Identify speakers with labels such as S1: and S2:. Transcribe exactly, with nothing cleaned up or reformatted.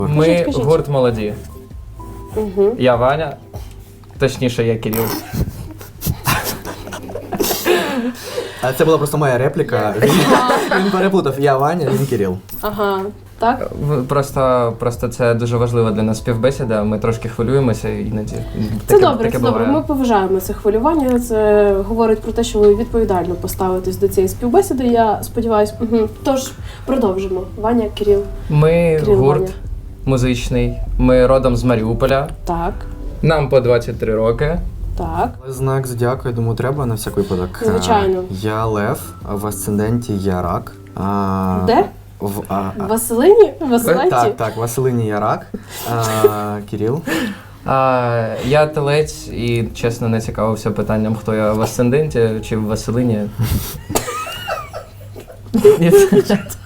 S1: Ми
S2: Кажіть, кажіть.
S1: гурт молоді.
S2: Угу.
S1: Я Ваня, точніше, я Кирил.
S3: А це була просто моя репліка. Він, він переплутав. Я Ваня, він Кирил.
S2: Ага, так?
S1: В- Просто, просто це дуже важлива для нас співбесіда. Ми трошки хвилюємося іноді.
S2: Це
S1: Таке-
S2: добре,
S1: таке
S2: це добре.
S1: буває.
S2: Ми поважаємо це хвилювання. Це говорить про те, що ви відповідально поставитесь до цієї співбесіди. Я сподіваюся. Угу. Тож продовжимо. Ваня, Кирил.
S1: Ми
S2: Кирил,
S1: гурт
S2: Ваня.
S1: музичний. Ми родом з Маріуполя.
S2: Так,
S1: Нам по двадцять три роки.
S2: так.
S3: Знак зодіаку, я думаю, треба на всяк випадок.
S2: Звичайно.
S3: А, Я Лев, а в асценденті я Рак. А,
S2: Де?
S3: В, а, а,
S2: Василині? Василенті?
S3: так, так, Василині я Рак. А, Кирил.
S1: А, я телець і, чесно, не цікавився питанням, хто я в асценденті чи в Василині. Ні.